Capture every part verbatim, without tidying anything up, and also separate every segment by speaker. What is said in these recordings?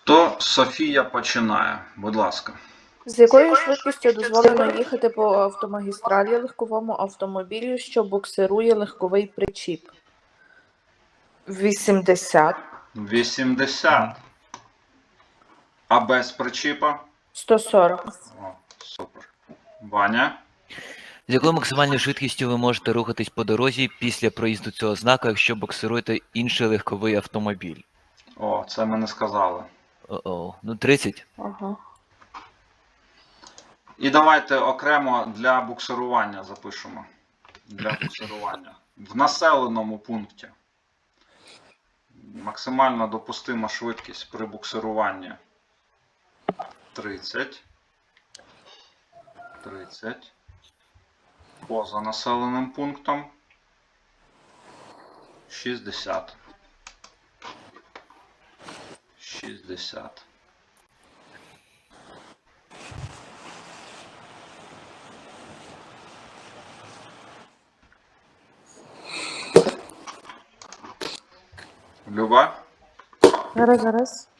Speaker 1: То Софія починає. Будь ласка.
Speaker 2: З якою швидкістю дозволено їхати по автомагістралі легковому автомобілю, що буксирує легковий причіп? вісімдесят.
Speaker 1: вісімдесят. А без причіпа?
Speaker 2: сто сорок.
Speaker 1: О, супер. Ваня?
Speaker 3: З якою максимальною швидкістю ви можете рухатись по дорозі після проїзду цього знаку, якщо буксируєте інший легковий автомобіль?
Speaker 1: О, це ми не сказали.
Speaker 3: О-о, ну тридцять.
Speaker 2: Ага.
Speaker 1: І давайте окремо для буксирування запишемо. Для буксирування. В населеному пункті. Максимально допустима швидкість при буксируванні тридцять. тридцять. Поза населеним пунктом шістдесят. шістдесят. Люба?
Speaker 4: Зараз, зараз.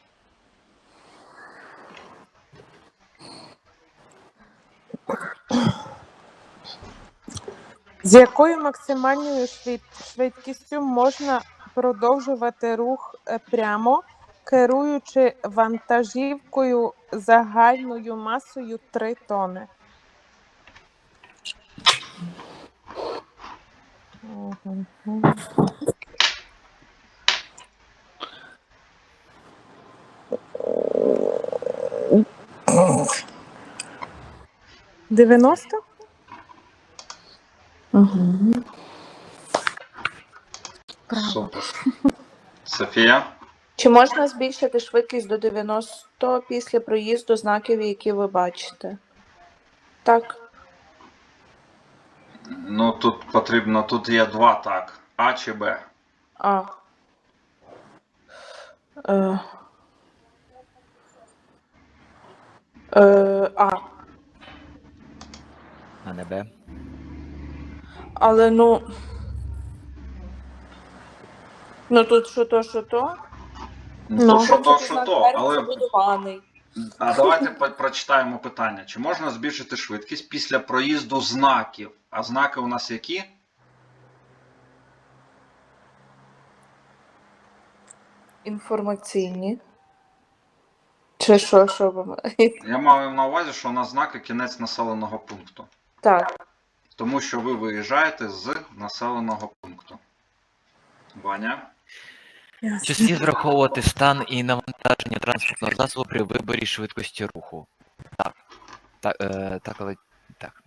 Speaker 4: З якою максимальною швид- швидкістю можна продовжувати рух е, прямо, керуючи вантажівкою загальною масою три тони? Мгм. дев'яносто?
Speaker 2: Угу.
Speaker 1: Супер. Софія?
Speaker 2: Чи можна збільшити швидкість до дев'яносто після проїзду знаків, які ви бачите? Так.
Speaker 1: Ну тут потрібно, тут є два так. А чи Б?
Speaker 2: А. Е. Е, а.
Speaker 3: А не Б.
Speaker 2: Але ну. Ну тут що то, що то.
Speaker 1: Ну,
Speaker 4: Ну.
Speaker 1: то що то, що
Speaker 2: Знак
Speaker 1: то,
Speaker 2: перед
Speaker 1: але...
Speaker 2: забудований.
Speaker 1: А давайте по- прочитаємо питання. Чи можна збільшити швидкість після проїзду знаків? А знаки у нас які?
Speaker 2: Інформаційні. Чи що, що ви маєте?
Speaker 1: Я маю на увазі, що у нас знаки кінець населеного пункту.
Speaker 2: Так.
Speaker 1: Тому що ви виїжджаєте з населеного пункту. Ваня?
Speaker 3: Чи слід враховувати стан і навантаження транспортного засобу при виборі швидкості руху? Так. Так, е, так, але... Так.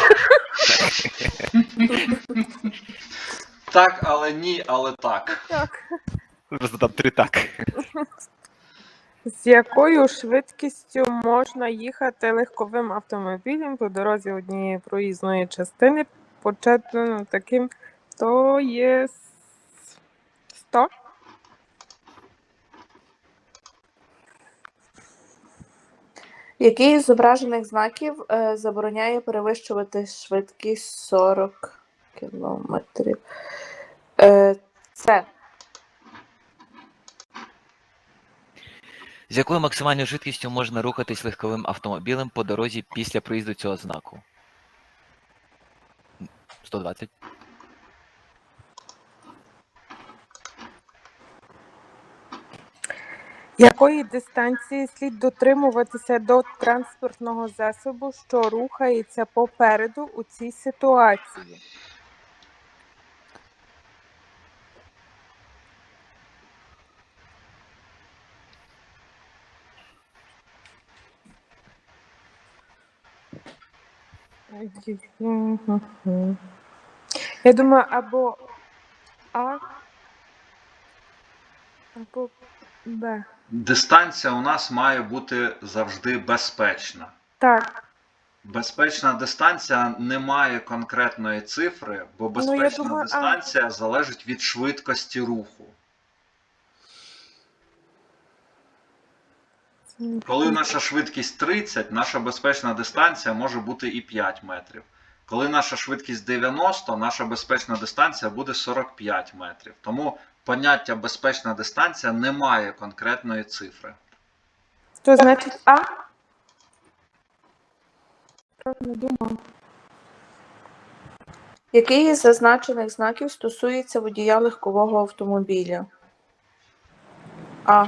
Speaker 1: Так, але ні, але так.
Speaker 4: Так.
Speaker 3: Просто там три так.
Speaker 4: З якою швидкістю можна їхати легковим автомобілем по дорозі однієї проїзної частини, почетно таким, то є сто?
Speaker 2: Який із зображених знаків е, забороняє перевищувати швидкість сорок кілометрів? Е, це.
Speaker 3: З якою максимальною швидкістю можна рухатись легковим автомобілем по дорозі після проїзду цього знаку? сто двадцять.
Speaker 4: Якої дистанції слід дотримуватися до транспортного засобу, що рухається попереду у цій ситуації? Я думаю, або А, або Б.
Speaker 1: Дистанція у нас має бути завжди безпечна.
Speaker 4: Так.
Speaker 1: Безпечна дистанція не має конкретної цифри, бо безпечна
Speaker 4: думаю, а-
Speaker 1: дистанція залежить від швидкості руху. Коли наша швидкість тридцять, наша безпечна дистанція може бути і п'ять метрів. Коли наша швидкість дев'яносто, наша безпечна дистанція буде сорок п'ять метрів. Тому поняття безпечна дистанція не має конкретної цифри.
Speaker 4: Що значить А? Не думав.
Speaker 2: Який із зазначених знаків стосується водія легкового автомобіля? А.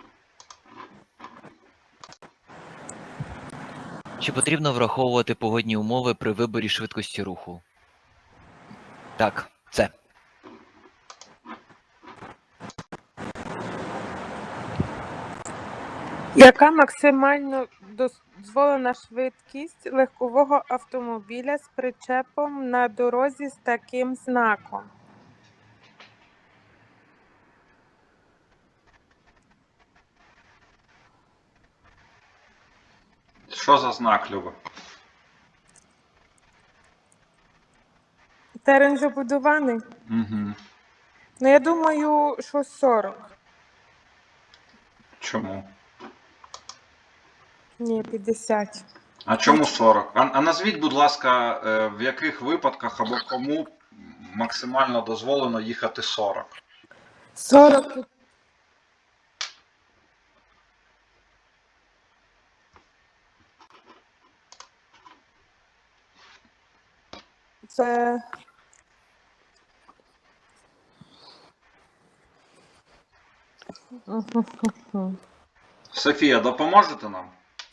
Speaker 3: Чи потрібно враховувати погодні умови при виборі швидкості руху? Так, це.
Speaker 4: Яка максимально дозволена швидкість легкового автомобіля з причепом на дорозі з таким знаком?
Speaker 1: Що за знак, Люба?
Speaker 4: Терен забудований?
Speaker 1: Угу.
Speaker 4: Ну, я думаю, що сорок.
Speaker 1: Чому?
Speaker 4: Ні, п'ятдесят.
Speaker 1: А чому сорок? А, а назвіть, будь ласка, е, в яких випадках або кому максимально дозволено їхати сорок?
Speaker 4: сорок. Це
Speaker 1: Софія, допоможете нам?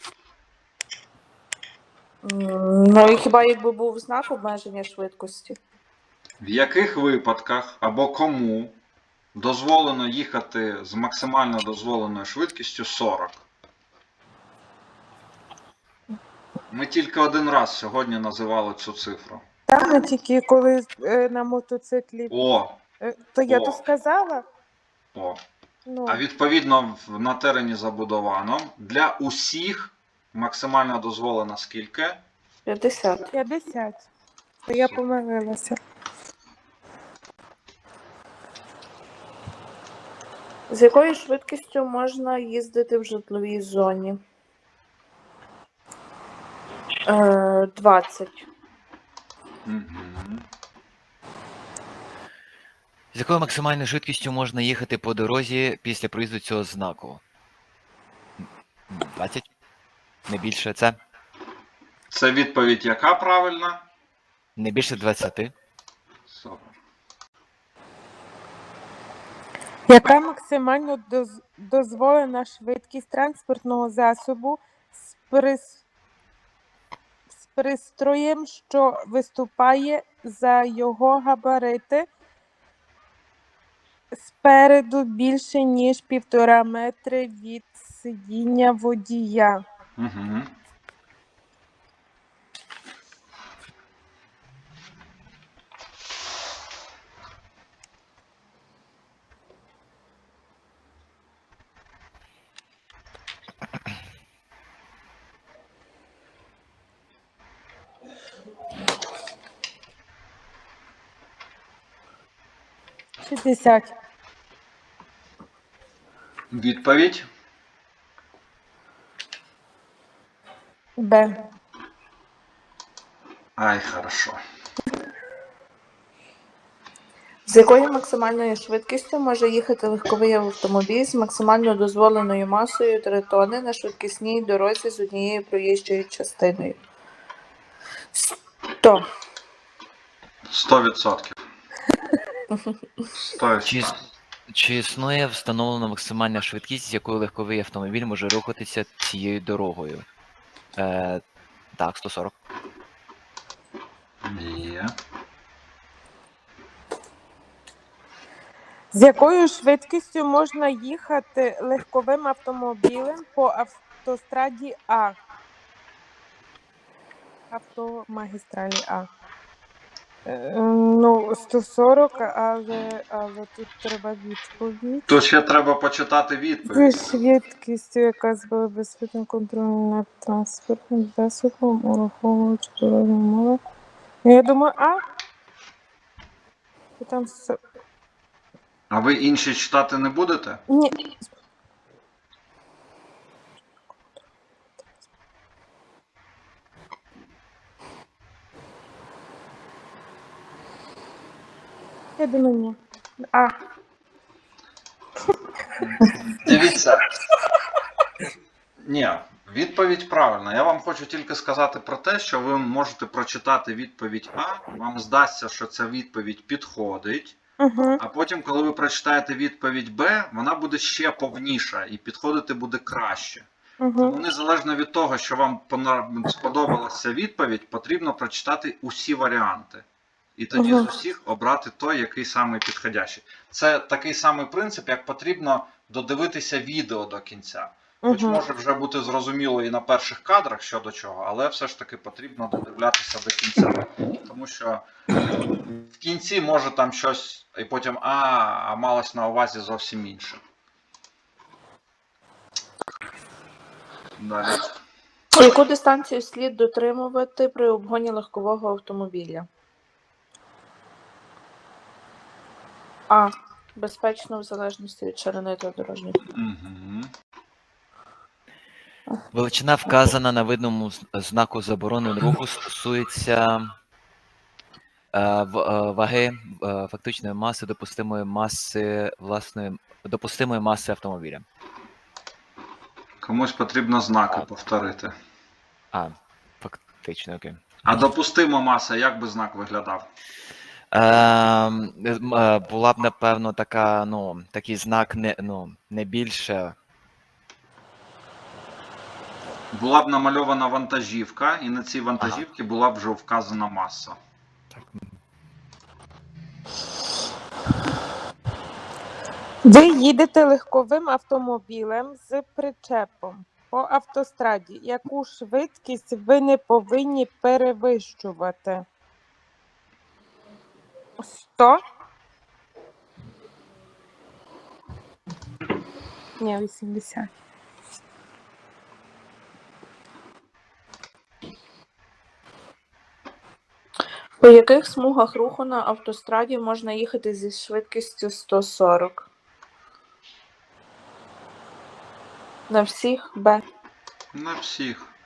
Speaker 2: М, Ну і хіба якби був знак обмеження швидкості?
Speaker 1: В яких випадках або кому дозволено їхати з максимально дозволеною швидкістю сорок? Ми тільки один раз сьогодні називали цю цифру.
Speaker 4: там не тільки коли е, на мотоциклі.
Speaker 1: О,
Speaker 4: Е, то я
Speaker 1: О.
Speaker 4: то сказала?
Speaker 1: о.
Speaker 4: Ну,
Speaker 1: А відповідно в- на терені забудовано для усіх максимально дозволено скільки?
Speaker 2: п'ятдесят.
Speaker 4: п'ятдесят. То я помилилася.
Speaker 2: З якою швидкістю можна їздити в житловій зоні? Е, двадцять.
Speaker 1: Угу.
Speaker 3: З якою максимальною швидкістю можна їхати по дорозі після проїзду цього знаку? двадцять? Не більше це?
Speaker 1: Це відповідь яка правильна?
Speaker 3: Не більше двадцяти?
Speaker 1: Супер.
Speaker 4: Яка максимально доз- дозволена швидкість транспортного засобу з, прис... з пристроєм, що виступає за його габарити спереду більше, ніж півтора метри від сидіння водія?
Speaker 1: Угу.
Speaker 4: шістдесят.
Speaker 1: Відповідь?
Speaker 4: Б.
Speaker 1: Ай, хорошо.
Speaker 2: З якою максимальною швидкістю може їхати легковий автомобіль з максимально дозволеною масою три тонни на швидкісній дорозі з однією проїжджою частиною? сто.
Speaker 1: Сто відсотків. Сто
Speaker 3: Чи, іс- чи існує встановлена максимальна швидкість, з якою легковий автомобіль може рухатися цією дорогою? Е, так, сто сорок.
Speaker 1: Є.
Speaker 4: З якою швидкістю можна їхати легковим автомобілем по автостраді А? Автомагістралі А. Е, Ну, сто сорок, але, але тут треба відповідь.
Speaker 1: Тут ще треба почитати
Speaker 4: Зі
Speaker 1: відповідь.
Speaker 4: швидкістю, яка збила безпечним контролем над транспортним засобом, ураховуючи дорожні умови. Ну, я думаю, А. І там с-
Speaker 1: А ви інші читати не будете?
Speaker 4: Ні. Я думаю, ні. А.
Speaker 1: Дивіться. Ні, відповідь правильна. Я вам хочу тільки сказати про те, що ви можете прочитати відповідь А, вам здасться, що ця відповідь підходить,
Speaker 4: Угу.
Speaker 1: а потім, коли ви прочитаєте відповідь Б, вона буде ще повніша і підходити буде краще. Тому
Speaker 4: Угу.
Speaker 1: незалежно від того, що вам пона- сподобалася відповідь, потрібно прочитати усі варіанти. І тоді
Speaker 2: Мгм.
Speaker 1: з усіх обрати той, який самий підходящий. Це такий самий принцип, як потрібно додивитися відео до кінця. Хоч
Speaker 4: Угу.
Speaker 1: може вже бути зрозуміло і на перших кадрах що до чого, але все ж таки потрібно додивлятися до кінця. Тому що в кінці може там щось, і потім а, а малось на увазі зовсім інше. Далі.
Speaker 2: Яку дистанцію слід дотримувати при обгоні легкового автомобіля? А. Безпечно в залежності від ширини та дорожніх.
Speaker 1: Угу.
Speaker 3: Величина, вказана на видному з- знаку заборони руху, стосується е, в- е, ваги е, фактичної маси, допустимої маси власної допустимої маси автомобіля.
Speaker 1: Комусь потрібно знаки повторити.
Speaker 3: А, фактично, окей.
Speaker 1: А допустима маса, як би знак виглядав?
Speaker 3: Е, м, е, була б, напевно, така, ну, такий знак не, ну, не більше.
Speaker 1: Була б намальована вантажівка, і на цій вантажівці була б вже вказана маса.
Speaker 3: Так,
Speaker 4: Ви їдете легковим автомобілем з причепом по автостраді. Яку швидкість ви не повинні перевищувати? сто? Ні, вісімдесят.
Speaker 2: По яких смугах руху на автостраді можна їхати зі швидкістю сто сорок? На всіх Б.
Speaker 1: На всіх.